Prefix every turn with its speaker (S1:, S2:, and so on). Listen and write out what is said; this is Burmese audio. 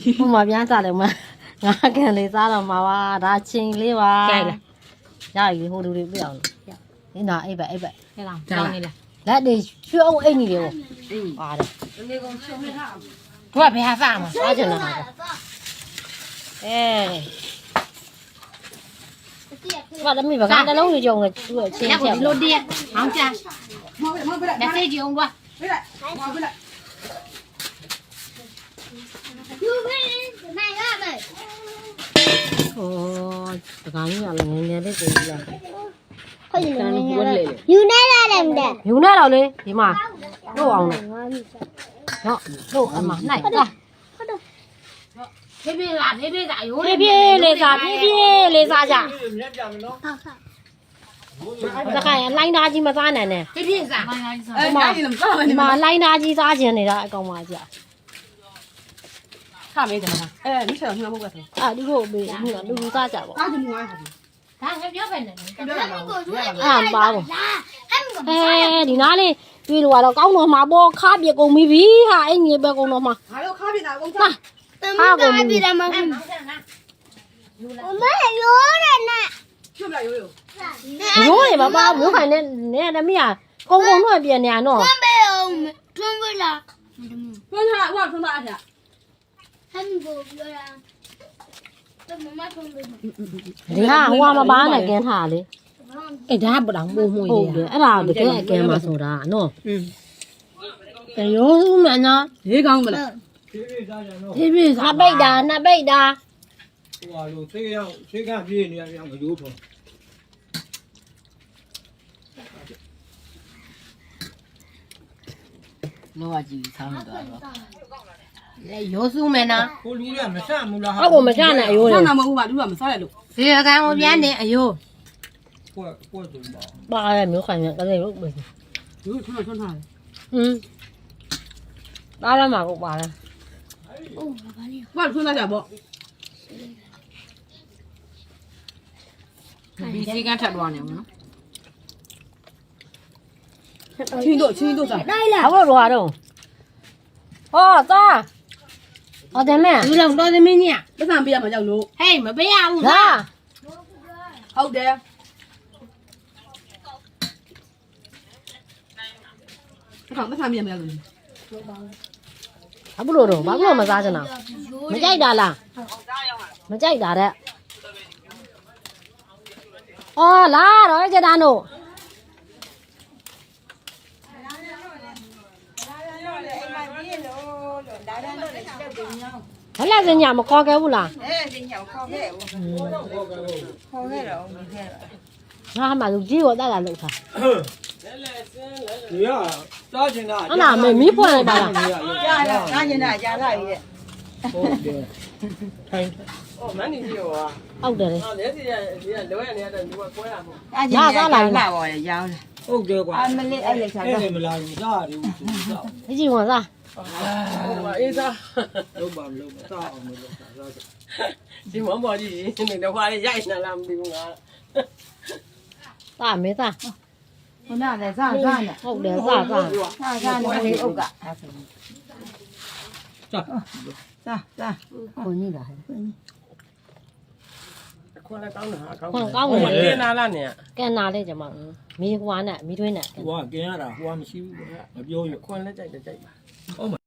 S1: ဟိုမှာပြန်စားတယ်မငါကန်လေးစားတော့မှာပါဒါချင်းလေးပါကြိုက်လားရပြီဟိုလူတွေပြအောင်ဒီနာအိပ်ပဲဟဲ့လားကြောင်းနေလားလက်တွေရွှေအောင်အိတ်နေတယ်ပေါ့ပါတယ်ဒီကောင်ရှုံးနေတာတို့ကဘယ်ဟာစားမှာစားချင်တာဘာတမီးဘာကတလုံးယူကြုံလေသူ့အချင်းချက်လို့တည်းအောင်ချာလက်စိတ်ကြုံကွာโอ้ตะกางนี่อ่ะငယ်ငယ်လေးကိုကြီးလာခွင့်နေနေယူနေရတယ်မတဲ့ယူနေတော့လေဒီမှာတို့အောင်လို့နော်တို့အမနိုင်တာဖြည်းဖြည်းလားဖြည်းဖြည်းကရိုးဖြည်းဖြည်းလေးစားဖြည်းဖြည်းလေးစားကြတခါရလိုင်းသားကြီးမစားနိုင်နဲ့ဖြည်းဖြည်းစားဒီမှာလိုင်းသားကြီးစားခြင်းနေတာအကောင်ပါကြခမေးတယ်လားမိချောင်းနှမဟုတ်ဘူးအဲ့ဒီကိုပေးလူစားကြပေါ့စားကြမှုဟာဒါငါပြောပဲနဲ့ပါဘူးဒီနားလေးတွေ့လို့ကတော့ကောင်းတော့မှာပေါ့ခါပြကုန်ပြီဟာအဲ့ငယ်ပဲကုန်တော့မှာငါတို့ခါပြတာကုန်စားခါကုန်ပြီအမေရိုးတယ်နဲ့ဖြုတ်လိုက်ရိုးရပါပါမျိုးခိုင်နဲ့တမီးကကုန်းတော့ပြန်နေရနော်ထွန်းပေးအောင်ထွန်းပေးလားထွန်းထားဟိုထွန်းထားအဲ့ဒါဟမ်ကိုပြောရမမထုံးလို့ဒီဟာဟိုမှာပါနဲ့ကင်းထားလေအဲ့ဒါပတောင်ပို့မှုကြီးဟုတ်တယ်အဲ့ဒါတကယ်အကင်းမှာဆိုတာနော်ရောမနော်လေးကောင်းမလားပြေးစားပိတ်တာနှစ်ပိတ်တာ
S2: ဟိုဟာလို့ဆေးရောက်ဆေးကပြေးနေရအောင်မရိုးထုံ
S1: လောကကြီးဆောင်းတော့ရိုးစုမယ်နော်
S2: ကိုလူကမဆတ်ဘူးလား
S1: ဟုတ်ကိုမဆတ်နဲ့အယိုးလေ
S3: ဆတ်မှာမဟုတ်ဘူးပါလူကမဆတ်ရလို့
S1: ဒီအကန်ကိုပြန်နေအယိုး
S2: ပွက်ဆို
S1: ပါရမျိုးခိုင်ရကလေးလို့ပဲ
S3: လူထွန်းထားတယ်
S1: ပါရမှာကိုပါရ
S3: အိုးဘာလဲဘာထွန်းထားကြပေါ့ဒီစီကထပ်သွားနေမှာနော်ချင်းတို့စား
S1: ได้ล่ะဟုတ်တော့တော့ဟောသားဟောတယ်မဲ
S3: လူတော်တော်သမီးကြီးပတ်စံပေးရမှာကြောက်လို့
S1: ဟေးမပေးရဘူးလား
S3: ဟုတ်တယ်အခါပတ်စံပေးရမှာကြောက်လို့
S1: ဘာလို့တော့ဘာလို့မစားချင်တာမကြိုက်တာလားမကြိုက်တာတဲ့အော်လာတော့ကြတာနို့ဟလာစညာမခေါ်ခဲ့ဘူးလား
S3: စညာခေါ်ခဲ့ဘူးခေါ်ခဲ့တော့မိခဲ့
S1: ငါမှလူကြီးကိုတက်လာလောက်တာ
S2: ဒီကစားချင်တာ
S1: အဲ့ဒါမီးဖွင့်လိုက်ပါလား
S3: ကြားတာစားချင်တာကြားလာပြီတဲ့
S2: ဟုတ်တယ်ထိုင်
S3: မန်းနေကြီးရော
S1: ဟုတ်တယ်လေ
S3: လက်စီကလောရနေတော့ဒီကကွဲရမို့
S1: စားလာ
S3: ပါရောရောင်း
S2: ဟုတ်တယ်ကွာ
S3: မလေးအဲ့လေစား
S2: အဲ့လေမလာဘူးစားရတယ်
S1: ဒီကြီးဝင်စား
S3: အေးစား
S2: လုံးပါလုံးစားအောင်လို့စား
S3: ဒီမောင်ပေါ်ကြီးနေတော့ခွာလေးရိုက်နေလားမသိဘူးငါ
S1: စားမေးစား
S3: ခုနလည်းစားနေ
S1: ဟုတ်တယ်စား
S3: နေလေးဥက်ကစား
S1: ခွန်ကြီးလား
S3: ခွန်လည်းကောင်းတာ
S1: ကောင်းတယ်
S3: ကဲနာလားနဲ့
S1: ကဲနာလေးကျွန်မမီးဟွာနဲ့မီးထွေးနဲ့
S2: ဟိုကกินရတာဟိုကမရှိဘူးကွာမပြောရ
S3: ခွန်လည်းကြိုက်တယ်ကြိုက်ပါ
S2: ဟုတ်